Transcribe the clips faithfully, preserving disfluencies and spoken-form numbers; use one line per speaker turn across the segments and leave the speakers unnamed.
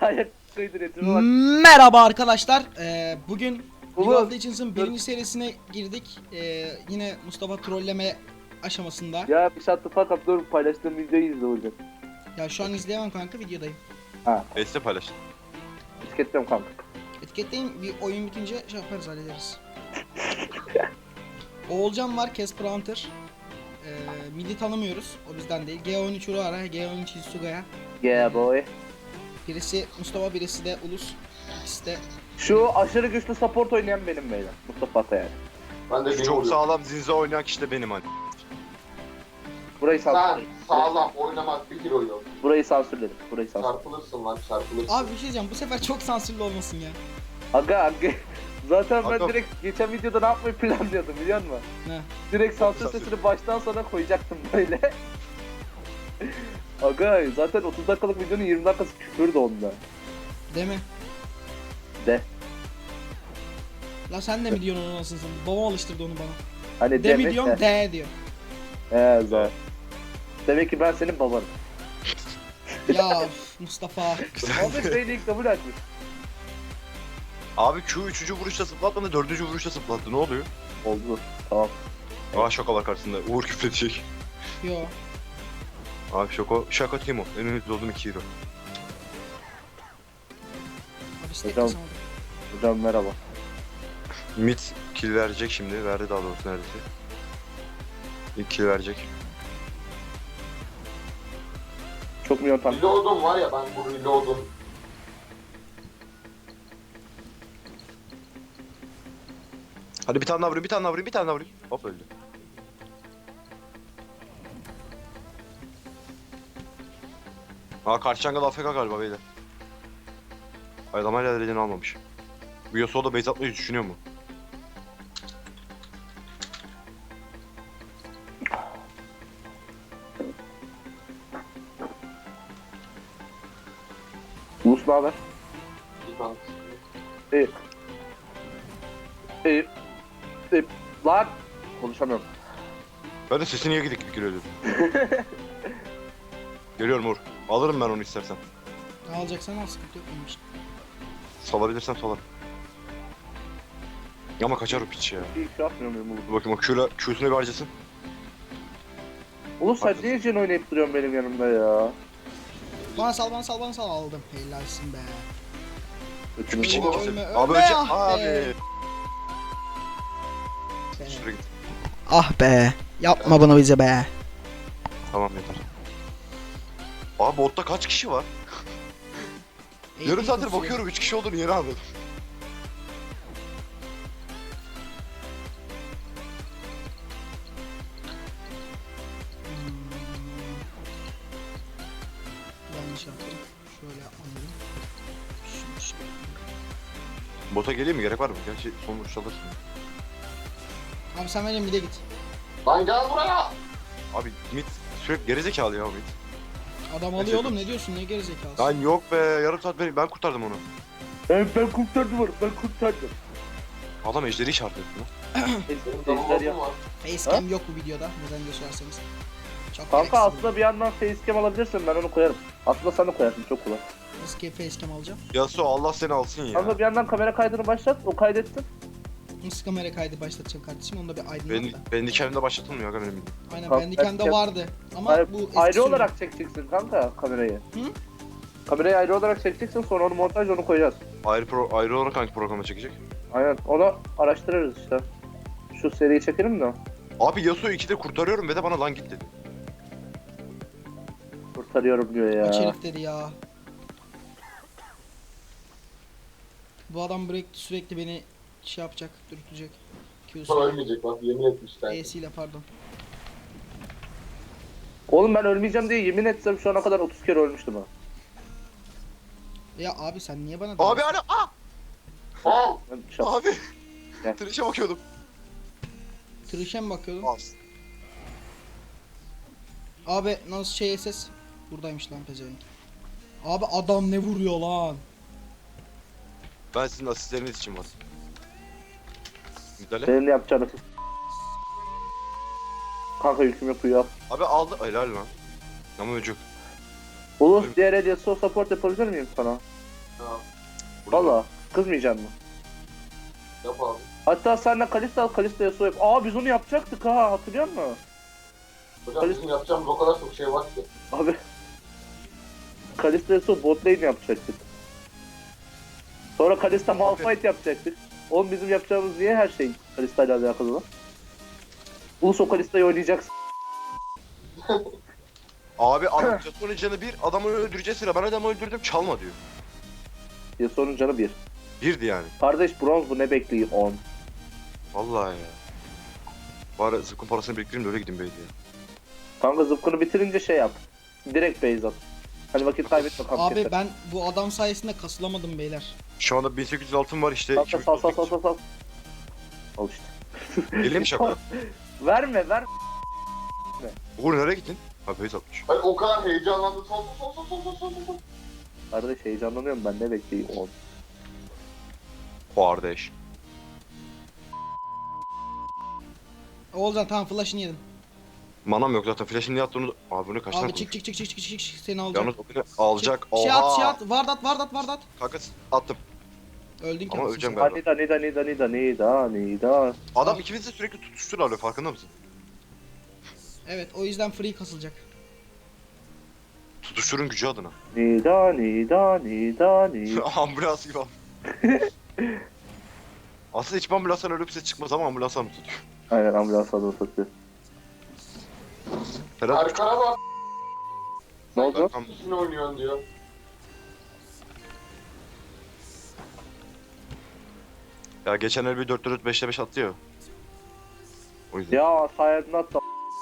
ayak kaydırıyor. Bak.
Merhaba arkadaşlar. Ee, bugün
Ulan,
League of Legends'ın
dur.
birinci serisine girdik. Ee, yine Mustafa trolleme aşamasında.
Ya bir shut the fuck up, dur paylaştığım videoyu izle hocam.
Ya şu an izleyemem kanka, videodayım.
Ha,
Beste paylaş.
etiketliyorum kanka.
Etiketleyin, bir oyun bitince şey yaparız, hallederiz. Oğulcan var, Casper Hunter. Ee, midi tanımıyoruz, o bizden değil. G on üç Uruara, G on üç Hisuga'ya.
Yeah boy.
Birisi Mustafa, birisi de Ulus. İkisi de
Şu aşırı güçlü support oynayan benim beyler. Mustafa Atayar.
Ben de
Şu
beni
çok
oluyor.
sağlam zinze oynayan kişi de benim hani.
Burayı
Sen
sansürledim.
sağlam oynamak bir kilo yok.
Burayı sansürledim. Burayı sansürledim.
Çarpılırsın lan çarpılırsın.
Abi bir şey diyeceğim, bu sefer çok sansürlü olmasın ya.
Aga aga. Zaten ben
Aga.
direkt geçen videoda ne yapmayı planlıyordum biliyor musun?
Ne?
Direkt sansür
Sansür.
sesini baştan sona koyacaktım böyle. Aga zaten otuz dakikalık videonun yirmi dakikası küfürdü onda.
Değil mi?
De.
La sen de mi diyorsun onu, nasılsın? Babam alıştırdı onu bana.
Hani
De mi
demek
diyorum,
de.
de diyor.
He zaten. Demek ki ben senin babanım.
Ya üf, Mustafa.
Ahmet Bey'le ilk kabul açmış.
Abi Q üçüncü vuruşta zıplatmadı, dördüncü vuruşta zıplattı. Ne oluyor?
Oldu. Tamam.
Aa şaka var karşısında. Uğur küfredecek.
Yo.
Abi şaka, şaka Timo. En ünlü olduğum iki hero.
Abi istek
Hocam.
kasamadım.
Hocam merhaba.
Mid kill verecek şimdi. Verdi daha doğrusu neredeyse. İlk kill verecek.
Çok milyon tank.
Reload'um var ya, ben bu reload'um.
Hadi bir tane daha vurayım, bir tane daha vurayım, bir tane daha vurayım. Hop öldü. Aa karşı jungle A F K galiba beyler. Ay adam hala dereceni almamış. Bu Yasuo da base atmayı düşünüyor mu?
Ulus ne haber?
Bir tane.
İyi. İyi. İyi. Lan! Konuşamıyorum.
Ben de sesi niye gidik gidik geliyor dedim. Geliyorum Uğur. Alırım ben onu istersen.
Ne alacaksan al, sıkıntı yok benim için.
Salabilirsen salarım. Ama kaçar o piç ya.
Bir şey yapmıyor muyum Ulus?
Dur bakayım o Q'la, Q'sunu bir harcasın.
Ulus sen niye Jen oynayıp duruyorsun benim yanımda ya?
Bana sal, bana sal, bana sal, aldım. Helalsin be.
Ötümü
Piçin
Ölme,
ikisi.
ölme,
Abi
ölme,
önce...
ah
Abi.
be.
Şuraya git.
Ah be. Yapma bunu bize be.
Tamam yeter. Abi botta kaç kişi var? Yarım saattir bakıyorum üç kişi olduğunu yeni anladım.
Hmm. Yanlış yaptım. Şöyle yapmalıyım. Şunu şöyle.
Bota geleyim mi? Gerek var mı? Gerçi son vuruş alırsın.
Abi sen benim bir de git.
Lan gel buraya!
Abi mid sürekli gerizekalı ya mid.
Adam alıyor oğlum, ne diyorsun, ne gerizekalısın.
Lan yok be yarım saat ben, ben kurtardım onu.
Ben, ben kurtardım onu, ben kurtardım.
Adam ejderi işaret etti lan.
Benim
Ejder ya.
reload'um var.
Facecam yok bu videoda, neden geçerseniz. Çok
Kanka
gereksiz.
aslında bir yandan facecam alabilirsin, ben onu koyarım. Aslında sen de koyarsın, çok kolay.
Nasıl ki facecam alacağım?
Yasuo Allah seni alsın ya.
Kanka bir yandan kamera kaydını başlat, o kaydetsin.
Nasıl kamera kaydı başlatacağım kardeşim, onu da bir aydınlat
Ben,
da.
benim kendimde başlatılmıyor aga benim.
Aynen,
Kanka,
Bandicam'da
facecam-
vardı ama
Hayır,
bu eski
ayrı
sürüm.
olarak çekeceksin kanka kamerayı.
Hı?
Kamerayı ayrı olarak çekeceksin, sonra onu montaj onu koyacağız.
Ayrı, pro, ayrı olarak hangi programa çekecek?
Aynen, onu araştırırız işte. Şu seriyi çekelim de.
Abi Yasuo ikide kurtarıyorum ve de bana lan git dedi.
Kurtarıyorum diyor ya.
Kaç herif dedi ya. Bu adam sürekli, sürekli beni şey yapacak, dürtecek.
Sonra
Q'su.
ölmeyecek bak, yemin etmişler.
E'siyle pardon.
Oğlum ben ölmeyeceğim diye yemin etsem şu ana kadar otuz kere ölmüştüm ha.
Ya abi sen niye bana
Abi
diyorsun?
hala aa!
Aa!
Ben şap-
Abi!
Gel.
Trişe bakıyordum.
Trişe mi bakıyordun?
Az.
Abi nasıl şey S S? Buradaymış lan pezevenk. Abi adam ne vuruyor lan?
Ben sizin asistleriniz için var. Müdahale.
Senin yapacağını. Kanka yüküm yok uyu al.
Abi aldı. Helal lan. Ama öcük.
Ulus diğer Yasuo support yapabilir miyim sana?
Burada.
Valla kızmayacak mı?
Yap abi.
Hatta senle Kalista al, Kalista Yasuo yap. Aa biz onu yapacaktık ha, hatırlıyor musun?
Hocam
Kalis-
bizim yapacağımız o kadar çok şey var ki.
Abi. Kalista Yasuo bot lane yapacaktık. Sonra Kalista Malphite yapacaktık. Oğlum bizim yapacağımız niye her şey Kalista ile alakalı lan? Ulus o Kalista'yı oynayacaksın.
Abi adam Yasuo'nun canı bir, adamı öldüreceğiz sıra. Ben adamı öldürdüm, çalma diyor.
Yasuo'nun canı bir.
Birdi yani.
Kardeş bronz bu, ne bekliyor on.
Vallahi ya. Bari zıkkın parasını biriktireyim de öyle gideyim beydi ya.
Kanka zıpkını bitirince şey yap. Direkt base at. Hani vakit kaybetme kamp
Abi
keser.
ben bu adam sayesinde kasılamadım beyler.
Şu anda bin sekiz yüz altın var işte.
Sal sal sal sal sal sal. Al işte.
Geleyim mi şaka?
Verme ver.
Uğur nereye gittin? Abi beyz atmış.
Ben o kadar heyecanlandım. Son son son son son son son son.
Kardeş heyecanlanıyorum ben, ne bekliyor on.
Kardeş.
Oğulcan tamam flash'ını yedim.
Manam yok zaten. Flash'ın niye attığını... Abi bu ne kaç tane
Abi çık
konuşuyor?
çık çık çık çık çık çık seni alacak.
Yalnız o beni alacak.
Şey at
Oha!
şey at vardat vardat vardat.
Kanka attım.
Öldün ki.
Ama
anasını
öleceğim
satayım.
galiba.
Nida nida nida nida nida nida.
Adam ikimiz de sürekli tutuştur alıyor, farkında mısın?
Evet o yüzden free kasılacak.
Tutuşturun gücü adına.
Nida nida nida nida.
Ambulans gibi. Aslında hiç ambulanstan öyle bir ses çıkmaz ama ambulanstan mı tutuyor?
Aynen ambulans adını satıyor.
Ferhat
Erkan'a bak.
Ne oldu?
Tam-
Üstüne oynuyorsun diyor.
Ya geçen el bir dört dört beşte beş attı ya. O yüzden.
Ya sayedin atla.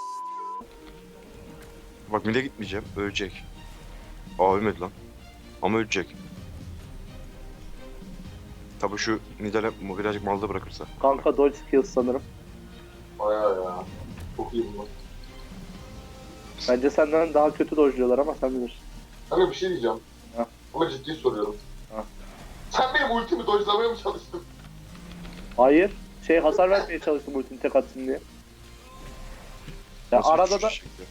Bak mide gitmeyeceğim, ölecek. Aa ölmedi lan. Ama ölecek. Tabi şu Nidal'e birazcık malda bırakırsa.
Kanka dodge skills sanırım.
Bayağı ya. Çok iyi bu.
Bence senden daha kötü dodge'luyorlar ama sen bilirsin.
Hani bir şey diyeceğim.
Ha.
Ama ciddi soruyorum.
Ha.
Sen benim ultimi dojlamaya mı çalıştın?
Hayır. Şey hasar vermeye çalıştım ultini tek atsın diye. Ya
Nasıl bir
arada da...
uçuş şekli?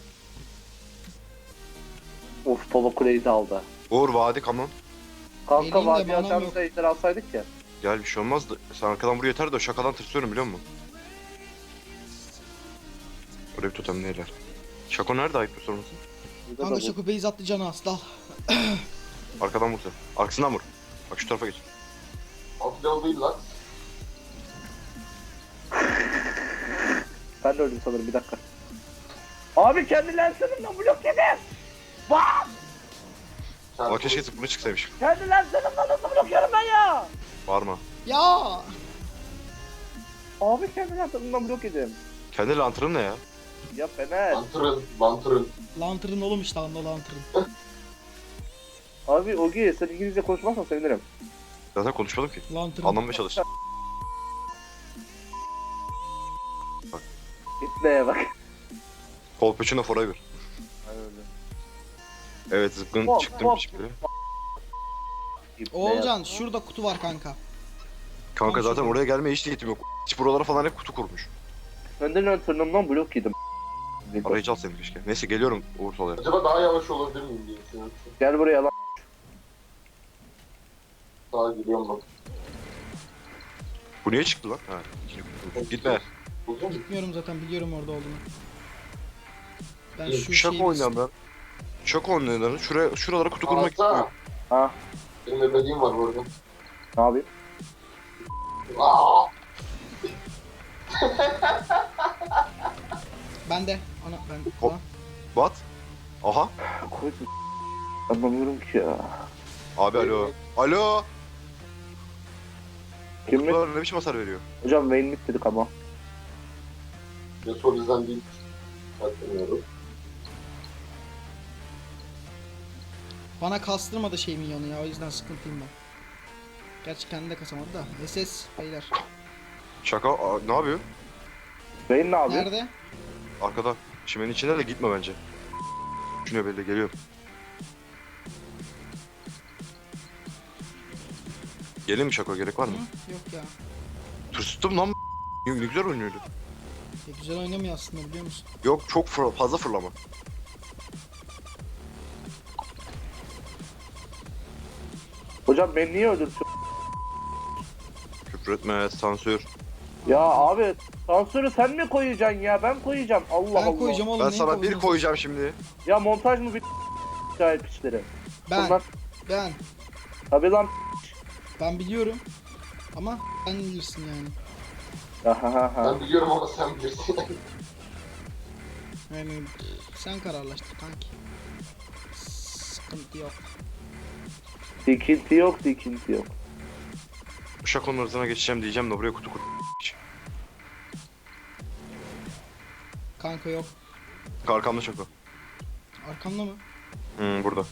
Of baba kuleyi de aldı.
Uğur vadi kamon.
Kanka
Geleyim de
vadi
bana
açarımızda ejder alsaydık ya.
Gel bir şey olmaz da sen arkadan buraya yeter de o şakadan tırsıyorum biliyor musun? Oraya bir totem neyler? Şako nerede ayıp bir sorması?
Burada da
Kanka
bu-
Şoko base attı canı asla.
Arkadan vur sen. Arkasından vur. Bak şu tarafa geç.
Alt level değil lan.
Ben de öldüm sanırım, bir dakika. Abi kendi lenserimden blok yedim. Bak!
Sen
Ama keşke zıplını çıksaymış.
Kendi lenserimden nasıl blok yiyorum ben ya?
Bağırma.
Ya.
Abi kendi lenserimden blok yedim.
Kendi lantırın ne ya?
Ya Fener.
Lantern, lantern.
Lantern oğlum işte anda lantern.
Abi Ogi sen İngilizce konuşmazsan sevinirim.
Zaten konuşmadım ki.
Lantern.
Anlamaya çalış.
İpneye bak.
Kolpeçino forever. Evet zıpkın
Hop,
çıktım
hop.
şimdi.
İpneye
Oğulcan şurada kutu var kanka.
Kanka
Tamam,
zaten
şurada.
oraya gelmeye hiç niyetim yok. Hiç buralara falan hep kutu kurmuş.
Kendi lenserinden blok yedim.
Arayıcı al seni keşke. Neyse geliyorum Uğur Sola'ya.
Acaba daha yavaş olabilir miyim diye düşünüyorum.
Gel buraya lan.
Daha giriyorum bak.
Bu niye çıktı lan? Ha. ikinci kutu. Gitme.
Buldun mu?
Gitmiyorum zaten biliyorum orada olduğunu. Ben
İyi,
şu
Şaka
şeyi...
oynayan ben. Şaka oynayanların şuraya, şuralara kutu kurmak
Anlatsana.
istiyorum.
Ha,
Benim de dediğim var bu arada.
ne yapayım?
Aa!
Ben de. Ana ben.
Hop.
Ana.
Bat. Aha.
Koydum. Anlamıyorum ki ya.
Abi alo. Alo.
Kim mi?
Kutular ne biçim hasar veriyor?
Hocam Vayne mid dedik ama.
Yasuo bizden değil. Hatırlamıyorum.
Bana kastırmadı şey minyonu ya o yüzden sıkıntıyım ben. Gerçi kendi de kasamadı da. S S beyler.
Şaka. Aa, ne yapıyor?
Vayne ne yapıyor?
Nerede?
Arkada. Çimenin içinde de gitme bence. Düşünüyor belli geliyorum. Gelin mi Şako, gerek var mı?
Hı? Yok ya.
Tırstım lan. Ne ne güzel oynuyordu.
E, güzel oynamıyor aslında biliyor musun?
Yok çok fır- fazla fırlama.
Hocam beni niye öldürdün?
Küfür etme, sansür.
Ya abi sansürü sen mi koyacaksın ya? Ben koyacağım. Allah
Ben
Allah.
koyacağım oğlum.
Ben
neyi
sana bir
kovuyorsun?
koyacağım şimdi.
Ya montaj mı bir sahip işleri?
Ben,
Bunlar
ben,
tabii lan.
ben biliyorum. Ama sen bilirsin yani.
Ahahaha.
Ben biliyorum ama sen bilirsin.
Yani sen kararlaştır kanki. Sıkıntı yok.
Dikinti yok, dikinti yok.
Şakonun hırzına geçeceğim diyeceğim de buraya kutu kutu.
Kanka yok.
Arkamda şako.
Arkamda mı?
Hmm, burada.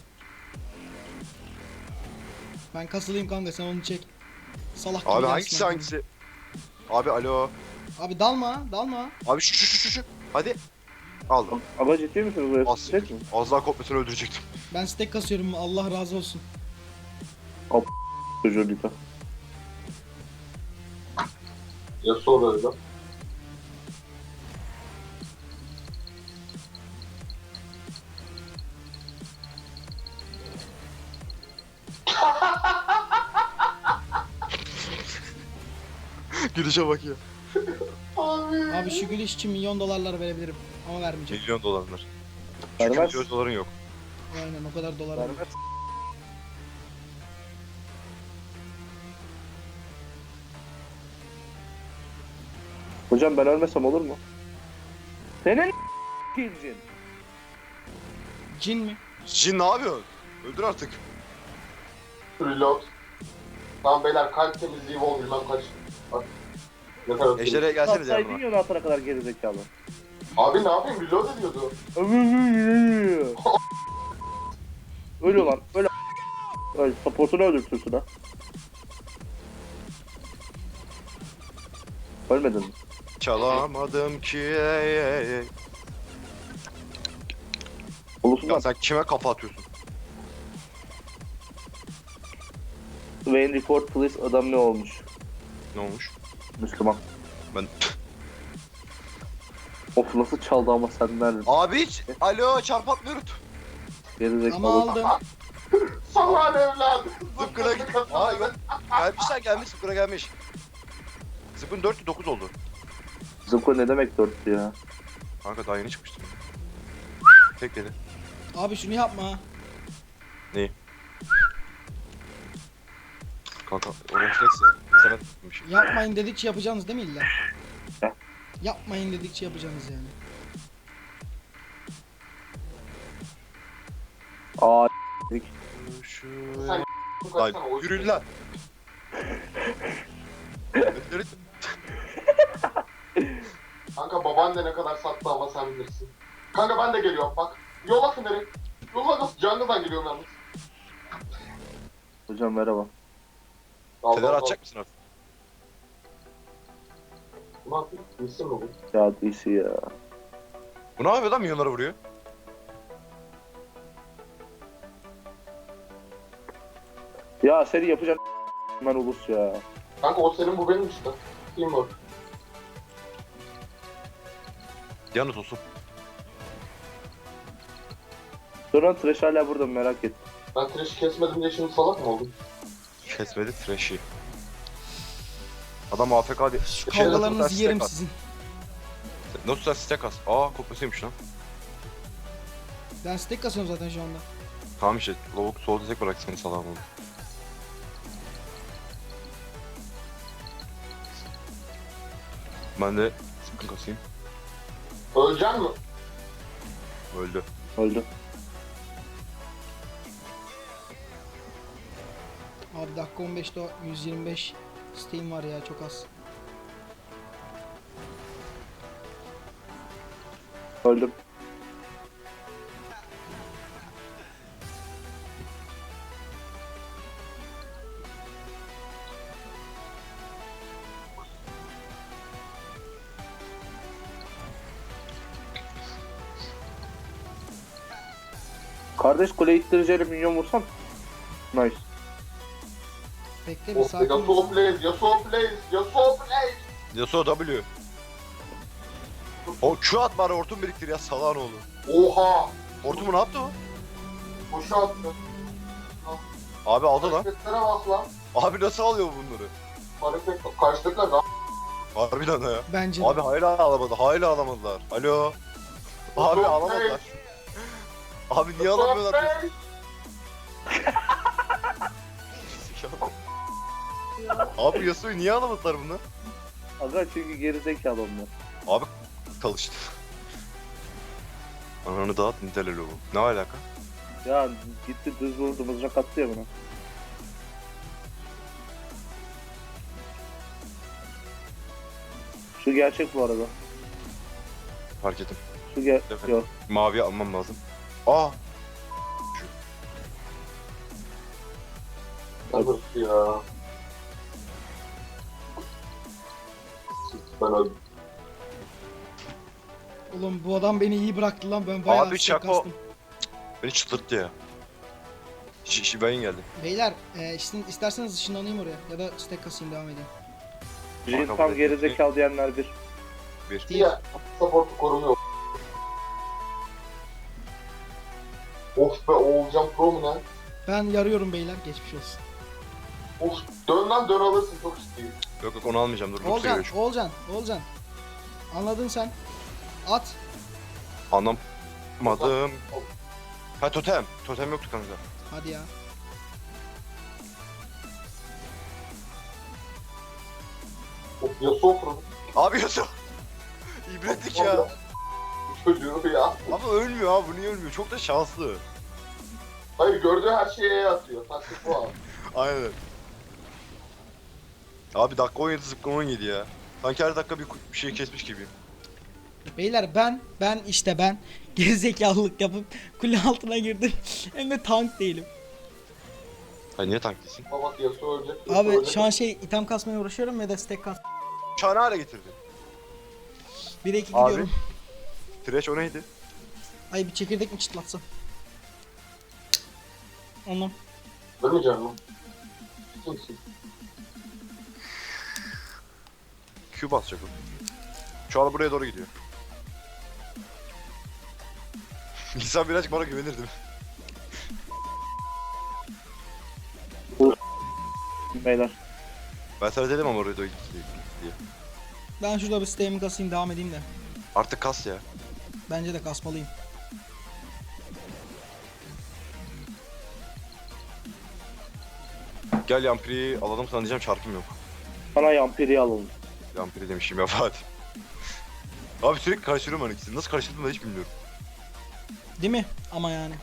Ben kasılayım kanka, sen onu çek. Salak gibi
Abi
gelsin
hangisi
arkamda.
hangisi? Abi alo.
Abi dalma, dalma.
Abi şu şu şu şu şu. Hadi. Aldım.
Ama ciddi misiniz? Buraya
Az,
sıçacak mı?
az daha kopmasını öldürecektim.
Ben stack kasıyorum, Allah razı olsun.
Çocuğu lütfen.
Ya sonra öyle.
Gülüşe bak ya.
Abi.
Abi şu gülüş için milyon dolarlar verebilirim. Ama vermeyeceğim.
Milyon dolarlar. Çünkü
Vermez.
milyon doların yok.
Aynen, o kadar dolar
Vermez.
var.
Hocam ben ölmesem olur mu? Senin kilcin.
Cin mi?
Jin ne yapıyorsun? Öldür artık.
Reload. Tamam beyler, kalp temizliği vol bilmem kaç. Bak. Ne kadar
Ejder'e gelseniz
Atsaydın
yanıma.
ya altına kadar geri zekalı.
Abi ne yapayım, reload ediyordu.
Öyle lan, öyle. Öyle supportunu öldürtürsün ha. Ölmedin mi?
Çalamadım ki. ey, ey, ey.
Ulusun
Ya
lan.
sen kime kafa atıyorsun?
Wayne report please, adam ne olmuş?
Ne olmuş?
Müslüman.
Ben...
Of nasıl çaldı ama senden.
Abi hiç. Alo çarp atmıyoruz.
Geri zekalı.
Ama aldım.
Salak evladı.
Zıpkına git. Aa ben... Gelmişler gelmiş zıpkına gelmiş. Zıpkın dört dokuz oldu.
Zıpko ne demek dörttü ya?
Kanka daha yeni çıkmıştım. Tek yedi.
Abi şunu yapma.
Kanka o refleks ya. Sana tutmuş.
Yapmayın dedikçe yapacaksınız değil mi illa?
Ya.
Yapmayın dedikçe yapacaksınız yani.
Aa
Şu...
Sen
Lan
kaçsana, o
yürü lan. Ötleri-
Kanka baban da ne kadar sattı ama sen bilirsin. Kanka ben de geliyorum bak. Yola Fener'i. Yola nasıl? Jungle'dan geliyorum yalnız.
hocam merhaba.
Al,
Fener
al, al.
atacak mısın artık?
Ne yapayım? Bilsin mi bu?
Ya D C ya.
Bu ne yapıyor lan milyonlara vuruyor?
Ya seni yapacağım ben ulus ya.
Kanka o senin, bu benim işte. Teamwork.
Yanıt olsun.
Sonra Thresh hala burada mı merak ettim.
Ben Thresh'i kesmedim diye şimdi salak mı oldum?
Kesmedi Thresh'i. Adam A F K diye.
Şu
Şey, nasıl
kavgalarınızı
stack
yerim
at?
sizin.
Nasıl sen stack as? Aa kopyasıymış lan.
Ben stack kasıyorum zaten şu anda.
Tamam işte lavuk sol desek bırak seni salam oldu. Ben de sıkın kasayım.
Öleceksin mi?
Öldü.
Öldü.
Abi dakika on beşte yüz yirmi beş Steam var ya, çok az.
Öldüm. Kardeş kule ittireceğiyle minyon vursam. Nice.
Bekle bir
Of,
sakin
Yasuo
ol.
plays, Yasuo plays, Yasuo plays.
Yasuo W. O Q at bari hortum biriktir ya salağın oğlu.
Oha!
Hortumu ne yaptı o?
Boşa attı.
Abi aldı lan.
Hareketlere bak lan.
Abi nasıl alıyor bunları?
Hareket karşıdakiler daha.
Harbiden ha ya.
Bence de.
Abi hala alamadı. Hala alamadılar. Alo. Abi alamadılar. Abi niye alamıyorlar? Abi Yasuo'yu niye alamadılar bunu?
Aga çünkü gerizekalı onlar.
Abi çalıştı. Ananı dağıt niteleli bu. Ne alaka?
Ya gitti düz vurdu mızrak attı ya bana. Şu gerçek bu arada.
Fark ettim.
Şu ger...
Evet.
Yok.
Mavi almam lazım. Aa.
Nasıl ya? Ben öldüm.
Oğlum bu adam beni iyi bıraktı lan, ben bayağı
Abi
stack
Çako-
kastım.
Beni çıldırttı ya. Ş Şivayin geldi.
Beyler e, işte, isterseniz ışınlanayım oraya ya da stack kasayım, devam edeyim.
Jin
Kabul
tam
ettim.
gerizekalı diyenler bir.
Bir.
Değil.
Ya support'u korumuyor. Of be Oğulcan Pro mu ne?
Ben yarıyorum beyler, geçmiş olsun.
Of dön lan dön alırsın çok ciddiyim.
Yok yok onu almayacağım. Dur. Lux'a
Olcan,
giriyor şu.
Olcan, Olcan. Anladın sen. At.
Anlamadım. Ha totem. Totem yoktu kanka.
Hadi ya.
Of Yasuo Pro.
Abi Yasuo. İbretlik ya.
Çocuğu ya.
Ama ölmüyor abi. Bu niye ölmüyor? Çok da şanslı.
Hayır gördüğü her şeye atıyor. Taktik bu abi.
Aynen. Abi dakika on yedi zıpkın on yedi ya. Sanki her dakika bir, bir şey kesmiş gibiyim.
Beyler ben, ben işte ben gerizekalılık yapıp kule altına girdim. Hem de tank değilim.
Hayır niye tank değilsin?
Ama bak Yasuo ölecek. Yasuo
Abi
ölecek.
şu an şey item kasmaya uğraşıyorum ve de stack kas.
Çağını hale getirdi.
bir iki
Abi.
gidiyorum.
Trash o neydi?
Ay bir çekirdek mi çıtlatsam? Ondan.
Ölmeyeceğim lan. Kimsin?
Q basacak o. Şu an buraya doğru gidiyor. İnsan birazcık bana güvenir değil mi?
Beyler.
Ben sana dedim ama oraya doğru gitti diye.
Ben şurada bir stack'imi kasayım, devam edeyim de.
Artık kas ya.
Bence de kasmalıyım.
Gel Yampiri'yi alalım sana diyeceğim çarpım yok.
Sana yampiri alalım.
Yampiri demişim ya Fatih. Abi sürekli karıştırıyorum ben ikisini. Nasıl karıştırdım da hiç bilmiyorum.
Değil mi? Ama yani.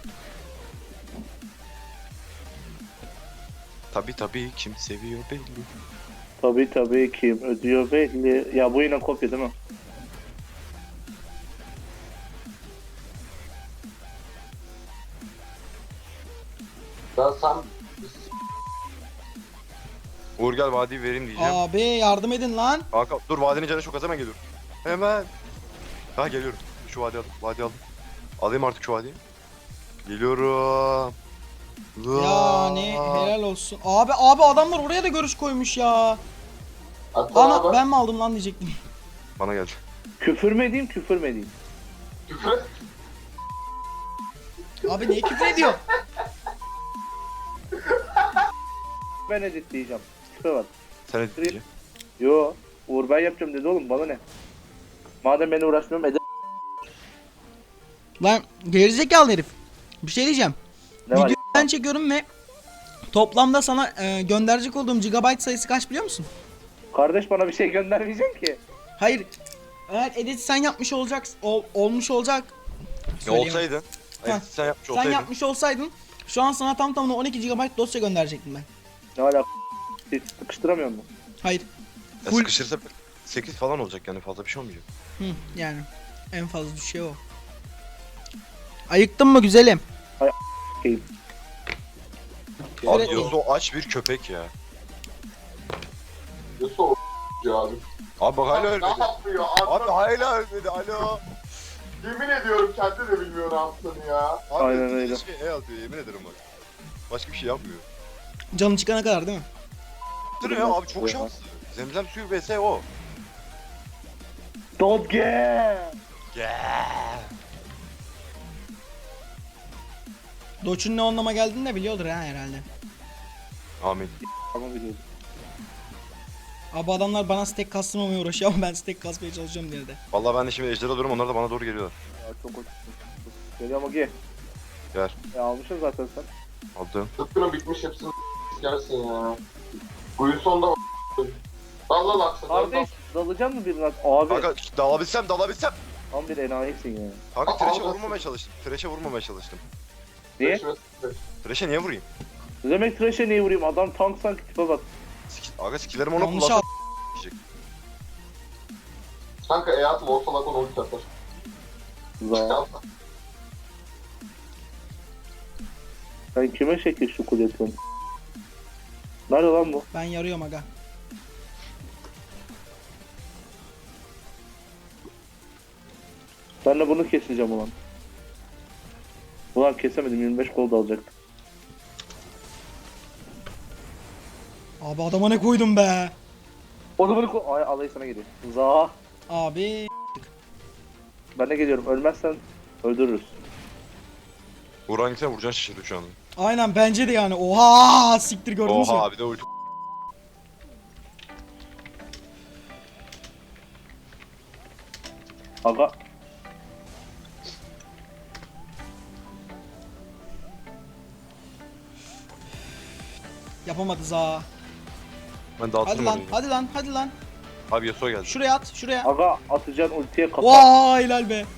Tabi tabi kim seviyor belli.
Tabii tabii kim ödüyor belli. Ya bu yine kopya değil mi?
Ben sen...
Uğur gel vadiyi vereyim diyeceğim.
Abi yardım edin lan.
Kanka dur vadinin canı çok az hemen geliyorum. Hemen. Ha geliyorum. Şu vadiyi aldım. Vadiyi aldım. Alayım artık şu vadiyi. Geliyorum.
Yani helal olsun. Abi abi adamlar oraya da görüş koymuş ya.
Hatta
Ana
abi,
ben mi aldım lan diyecektim.
Bana geldi.
Küfür mü edeyim küfür mü edeyim?
küfür et.
Abi niye küfür ediyor?
Ben editleyeceğim. Küfür var.
Sen edit diyeceğim.
Yo. Uğur ben yapacağım dedi oğlum bana ne? Madem beni uğraşmıyorum ede...
Lan gerizekalı herif. Bir şey diyeceğim.
Ne var?
Videoyu ben çekiyorum ve toplamda sana e, gönderecek olduğum gigabyte sayısı kaç biliyor musun?
Kardeş bana bir şey göndermeyeceksin ki.
Hayır. Eğer edit sen yapmış olacaksın, ol- olmuş olacak.
Ya
Söyleyemem.
olsaydın.
Heh,
Evet, sen yapmış
Sen
olsaydın.
yapmış olsaydın şu an sana tam tamına on iki gigabyte dosya gönderecektim ben.
Ne alaka? Hiç sıkıştıramıyor mu?
Hayır.
Ya
full-
sıkışırsa sekiz falan olacak yani fazla bir şey olmayacak.
Hı, yani en fazla düşüyor o. Ayıktın mı güzelim?
Keyif.
Abi
Evet.
Yasuo aç bir köpek ya.
Yasuo ya abi.
Abi bak hala
Ne
ölmedi.
yapıyor?
Abi
Abi,
hala ölmedi alo.
yemin ediyorum kendi de bilmiyor ne yaptığını ya.
Abi
Aynen öyle.
Şey, e atıyor yemin ederim bak. Başka bir şey yapmıyor.
Canı çıkana kadar değil mi?
Dur ya abi çok şanslı. Zemzem suyu vs o.
Don't get.
Yeah.
Doç'un ne anlama geldiğini de biliyordur ha herhalde.
Amin.
Ama biliyorum.
Abi adamlar bana stack kastırmamaya uğraşıyor ama ben stack kasmaya çalışıyorum diye de.
Vallahi ben de şimdi ejderi alıyorum, onlar da bana doğru geliyorlar.
Ya çok hoş. Geliyor ama gel.
Gel.
Ya almışsın zaten sen.
Aldım.
Tıpkının bitmiş hepsini gelsin ya. Buyur sonda Dalla laksa.
Kardeş dalacak mı birine? Abi.
Kanka dalabilsem dalabilsem.
Tam bir enayisin ya.
Kanka
Aa,
Thresh'e
nasıl?
vurmamaya çalıştım. Thresh'e vurmamaya çalıştım.
Niye?
Thresh'e niye vurayım?
Ne demek Thresh'e niye vurayım? Adam tank sanki tipe bak.
Skill, aga skill'lerimi ona
Yanlış
kullansam
al.
diyecek.
Kanka e atma ortalak onu ulti atar.
Za. Sen kime şekil şukul yapıyorsun? Nerede lan bu?
Ben yarıyorum aga.
Ben de bunu keseceğim ulan. Ulan kesemedim, yirmi beş gol da alacaktım.
Abi adama ne koydum be?
O da bunu ko... Ay alayı sana geliyor. Za.
Abi
Ben de geliyorum. Ölmezsen öldürürüz.
Vuran gitsen vuracaksın şaşırdı şu anda.
aynen bence de yani. Oha siktir gördünüz mü?
Oha bir de ulti.
Aga.
Yapamadı za.
Ben
Hadi
dağıtırım
lan
orayı.
hadi lan hadi lan.
Abi Yasuo geldi.
Şuraya at şuraya.
Aga atacaksın ultiye kapat.
Vay helal be.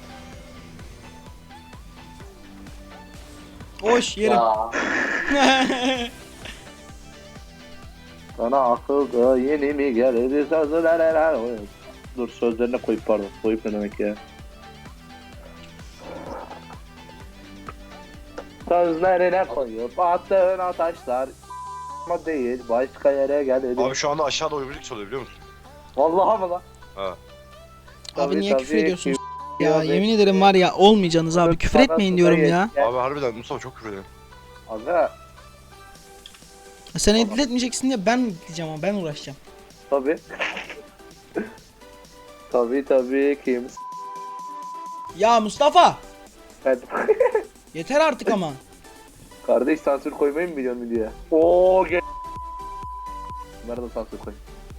Hoş yerim.
Ya.
Sana akılda yeni mi geldi sözler helal. Dur sözlerine koyup pardon. Koyup ne demek ya? Sözlerine koyup attığın ataşlar ama değil başka yere geldi.
Abi şu anda aşağıda oyunculuk çalıyor biliyor musun?
Vallahi mı lan?
Ha.
Abi
Tabii,
niye
tabii,
küfür ediyorsunuz?
küfür
Ya
ediyoruz.
yemin ederim var ya olmayacaksınız abi. Küfür etmeyin diyorum ya.
Abi harbiden Mustafa çok küfür ediyor.
Aga
Sen edit etmeyeceksin diye ben diyeceğim ama ben uğraşacağım.
tabi. Tabi tabi kim?
Ya Mustafa!
Ben...
Yeter artık ama.
Kardeş sansür koymayı mı biliyorsun diye. Oo gel. Bunlara da sansür koy.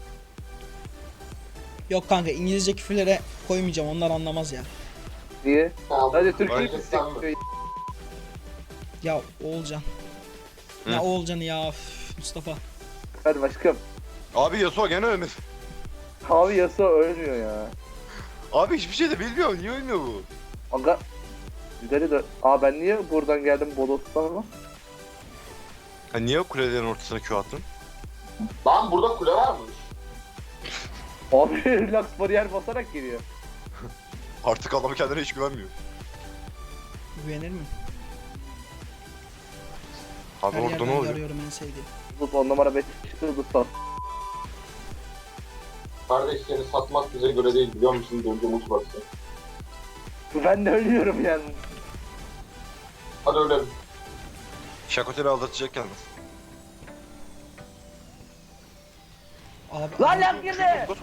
Yok kanka İngilizce küfürlere koymayacağım onlar anlamaz ya.
Niye?
Tamam.
Hadi Türkçe
Aynen.
istek.
Ya Oğulcan.
Hı?
Ya Oğulcan'ı ya üf, Mustafa.
Hadi başkım.
Abi Yasuo gene ölmedi.
Abi Yasuo ölmüyor ya.
Abi hiçbir şey de bilmiyor. Niye ölmüyor bu?
Aga. Güzeli de. Aa ben niye buradan geldim Bodos'tan ama?
Ha niye kulelerin ortasına Q attın?
Lan burada kule varmış.
Abi relax bariyer basarak geliyor.
Artık adam kendine hiç güvenmiyor.
Güvenir mi?
Abi
Her
orada
yerden
ne oluyor?
arıyorum en sevdiğim.
Bu on numara beş çıktı sat.
Kardeş seni satmak bize göre değil biliyor musun? Döndü umut baksa.
Ben de ölüyorum yani.
Hadi ölelim.
Şakoteli aldatacak yalnız.
Abi,
Lan
abi,
lan girdi. Ya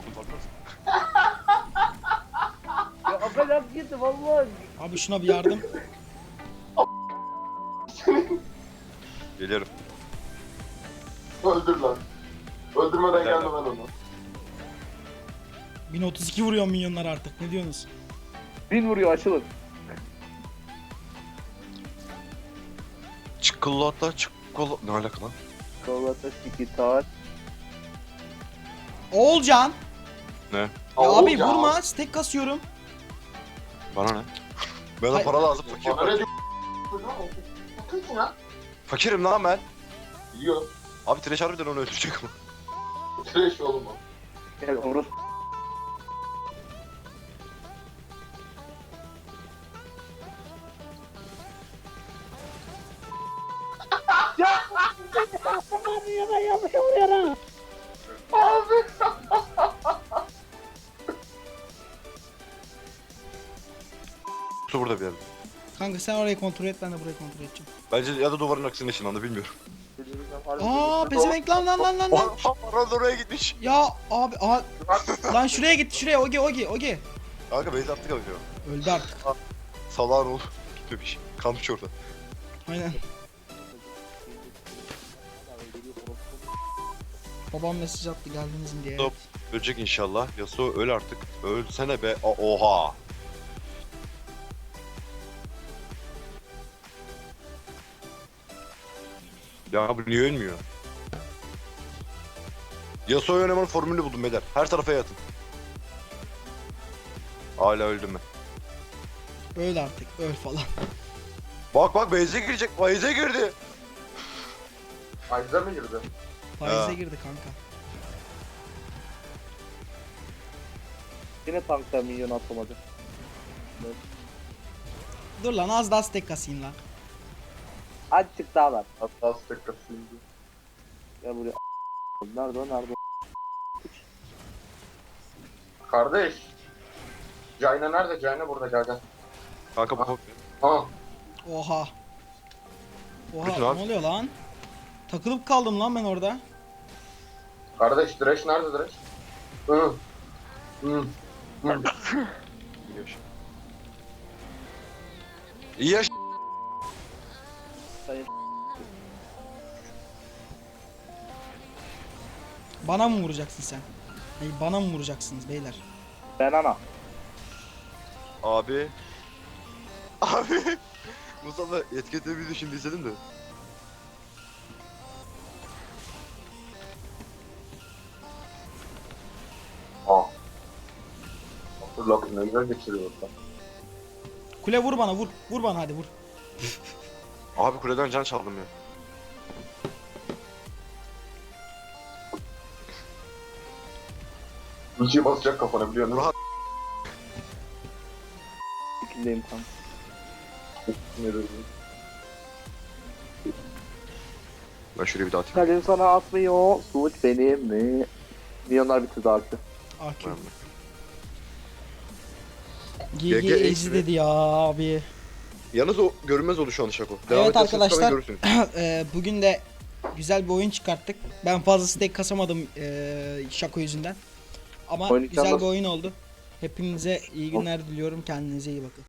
aga lan girdi vallahi.
abi şuna bir yardım.
Geliyorum.
Öldür lan. Öldürmeden
Nerede?
gelme ben onu.
bin otuz iki vuruyor milyonlar artık ne diyorsunuz?
Bin vuruyor açılın.
Çikolata çikolata... Ne alaka lan?
Kolata iki tar.
Oğulcan!
Ne?
Ya
Aa,
abi
Oğulcan.
vurma stack kasıyorum.
Bana ne? Bana
Hayır.
para lazım fakir.
Bana ne diyor? Bakın ya.
Fakirim lan ben.
Yiyor.
Abi Thresh harbiden onu öldürecek ama.
Trash oğlum o.
Gel Orus.
Su burada bir yerde.
Kanka sen orayı kontrol et ben de burayı kontrol edeceğim.
Bence ya da duvarın aksine ışınlandı bilmiyorum.
Aa pezevenk lan lan lan lan lan.
Oha Aral oraya gitmiş.
Ya abi aa, lan şuraya git şuraya Ogi Ogi Ogi.
Kanka base attık abi ya.
Öldü artık.
Salağın oğlu. Gitmemiş. Kalmış orada.
Aynen. Babam mesaj attı geldiniz mi diye.
Stop. Ölecek inşallah. Yasuo öl artık. Ölsene be. A- Oha. Ya bu niye ölmüyor? Yasuo'yu oynamanın formülünü buldum beyler. Her tarafa yatın. Hala öldüm ben.
Öl artık öl falan.
Bak bak base'e girecek. Base'e girdi.
Ayrıca mı girdi?
Faize
Ha.
girdi kanka.
Yine tankta milyon atamadı.
Dur lan az daha stack kasayım lan.
Azıcık daha var.
Hatta stack kasayım.
Ya buraya nerede o nerede o?
Kardeş. Cayna nerede? Cayna burada, gel gel.
Kanka bu
Ha.
Oha. Oha
Bütün
ne
abi.
oluyor lan? Takılıp kaldım lan ben orada.
Kardeş Thresh nerede Thresh? Hı. Hı. Hı.
İyi yaş.
Sayın
Bana mı vuracaksın sen? Hey, bana mı vuracaksınız beyler?
ben ana.
Abi. Abi. Mustafa etiketleri bir şimdi izledim de.
Ha. Dur lan, ne güzel geçiriyor orada.
Kule vur bana vur. Vur bana hadi vur.
Abi kuleden can çaldım ya.
Bir şey basacak kafana, biliyor musun?
Rahat.
İkindeyim kanka.
Ne dedim?
Ben şuraya bir daha atayım.
Kalem sana atmıyor. Suç benim mi? Milyonlar bitti artık.
A Q.
Tamam.
G
G
G
G
Ezi dedi ya abi.
Yalnız o görünmez oldu şu an Şako.
Evet
ederseniz
arkadaşlar.
falan görürsünüz.
Ee, bugün de güzel bir oyun çıkarttık. Ben fazla stack kasamadım ee, Şako yüzünden. Ama
Oyun
güzel bir
yalnız-
oyun oldu. Hepinize iyi günler diliyorum. Kendinize iyi bakın.